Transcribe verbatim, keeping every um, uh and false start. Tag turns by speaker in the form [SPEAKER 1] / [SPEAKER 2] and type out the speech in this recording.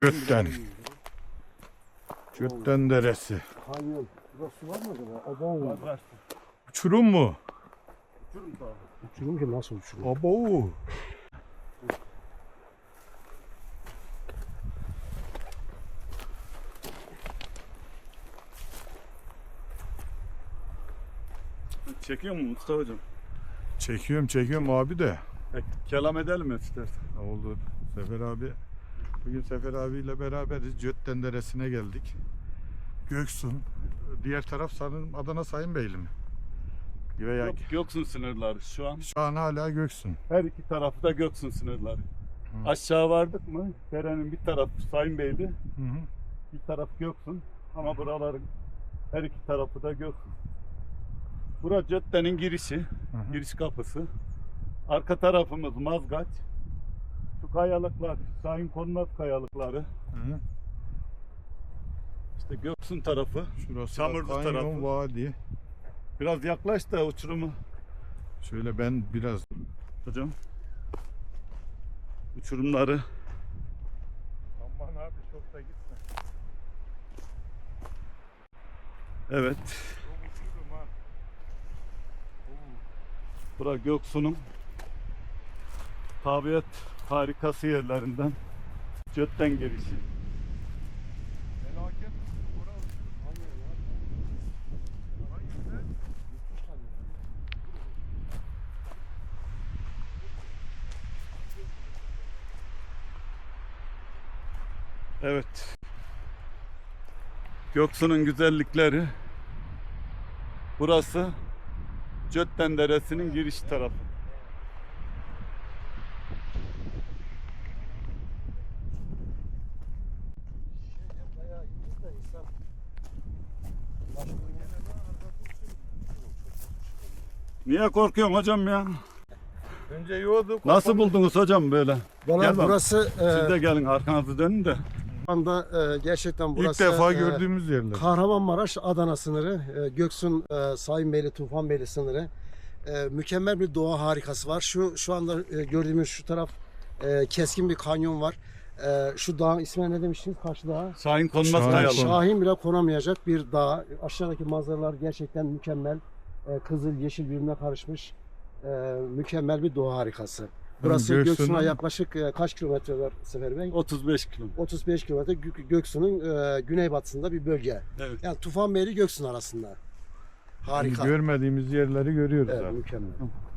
[SPEAKER 1] Götten. Götten deresi.
[SPEAKER 2] Kanyon. Burası var mı acaba? Aba var.
[SPEAKER 3] Var.
[SPEAKER 1] Uçurum mu?
[SPEAKER 3] Uçurum da abi.
[SPEAKER 2] Uçurum ki nasıl uçurum?
[SPEAKER 1] Abo.
[SPEAKER 3] Çekiyor mu Mustafa hocam?
[SPEAKER 1] Çekiyorum çekiyorum abi de.
[SPEAKER 3] E, kelam edelim mi istersen?
[SPEAKER 1] Oldu. Sefer abi. Bugün Sefer abiyle beraberiz. Götten deresine geldik. Göksun. Diğer taraf sanırım Adana Sayınbeyli mi? Veya
[SPEAKER 3] Yok, Göksun sınırları şu an.
[SPEAKER 1] şu an hala Göksun.
[SPEAKER 3] Her iki tarafı da Göksun sınırları.
[SPEAKER 1] Hı.
[SPEAKER 3] Aşağı vardık mı? Derenin bir tarafı Sayınbeyli,
[SPEAKER 1] Hı hı.
[SPEAKER 3] bir taraf Göksun. Ama buraların her iki tarafı da Göksun. Burası caddenin girişi,
[SPEAKER 1] Hı hı.
[SPEAKER 3] giriş kapısı. Arka tarafımız Mazgaç. Şu kayalıklar, Şahin Kornat kayalıkları.
[SPEAKER 1] Hı hı.
[SPEAKER 3] İşte Göksun tarafı.
[SPEAKER 1] Şurası
[SPEAKER 3] Çamurlu
[SPEAKER 1] da kanyon,
[SPEAKER 3] tarafı.
[SPEAKER 1] vadi.
[SPEAKER 3] Biraz yaklaş da uçurumu.
[SPEAKER 1] Şöyle ben biraz
[SPEAKER 3] Hocam. Uçurumları.
[SPEAKER 1] aman abi çok da gitme.
[SPEAKER 3] Evet.
[SPEAKER 1] Çok uçurum ha.
[SPEAKER 3] Bura Göksu'nun tabiat harikası yerlerinden. Götten girişi.
[SPEAKER 1] Felaket. Bura uçurum. Hangisi?
[SPEAKER 3] Evet. Göksu'nun güzellikleri. Burası Götten Deresi'nin giriş tarafı.
[SPEAKER 2] Bayağı iyiyiz de insan.
[SPEAKER 3] Niye korkuyorsun hocam ya?
[SPEAKER 1] Önce yiyorduk.
[SPEAKER 3] Nasıl buldunuz hocam böyle?
[SPEAKER 2] Valla
[SPEAKER 3] Gel bak.
[SPEAKER 2] burası
[SPEAKER 3] Siz de
[SPEAKER 2] e,
[SPEAKER 3] gelin arkanızı dönün de.
[SPEAKER 2] şu anda e, gerçekten
[SPEAKER 1] İlk
[SPEAKER 2] burası
[SPEAKER 1] defa
[SPEAKER 2] e,
[SPEAKER 1] gördüğümüz yerler.
[SPEAKER 2] Kahramanmaraş Adana sınırı, e, Göksun e, Sayınbeyli Tufanbeyli sınırı. E, mükemmel bir doğa harikası var. Şu şu anda e, gördüğümüz şu taraf e, keskin bir kanyon var. E, şu dağın ismi ne demiştiniz? Karşı dağ.
[SPEAKER 3] Şahin Konmaz
[SPEAKER 1] Şahin
[SPEAKER 3] Kayalı.
[SPEAKER 1] Kon-
[SPEAKER 2] Şahin bile konamayacak bir dağ. Aşağıdaki manzaralar gerçekten mükemmel. E, kızıl, yeşil birbirine karışmış. E, mükemmel bir doğa harikası. Burası
[SPEAKER 1] Göksu'nun-
[SPEAKER 2] Göksun'a yaklaşık e, kaç kilometre var Sefer Bey?
[SPEAKER 3] otuz beş kilometre.
[SPEAKER 2] otuz beş kilometre Gö- Göksu'nun e, güneybatısında bir bölge.
[SPEAKER 3] Evet.
[SPEAKER 2] Yani Tufanbeyli Göksun arasında. Harika.
[SPEAKER 1] Görmediğimiz yerleri görüyoruz
[SPEAKER 2] Evet,
[SPEAKER 1] abi.
[SPEAKER 2] mükemmel.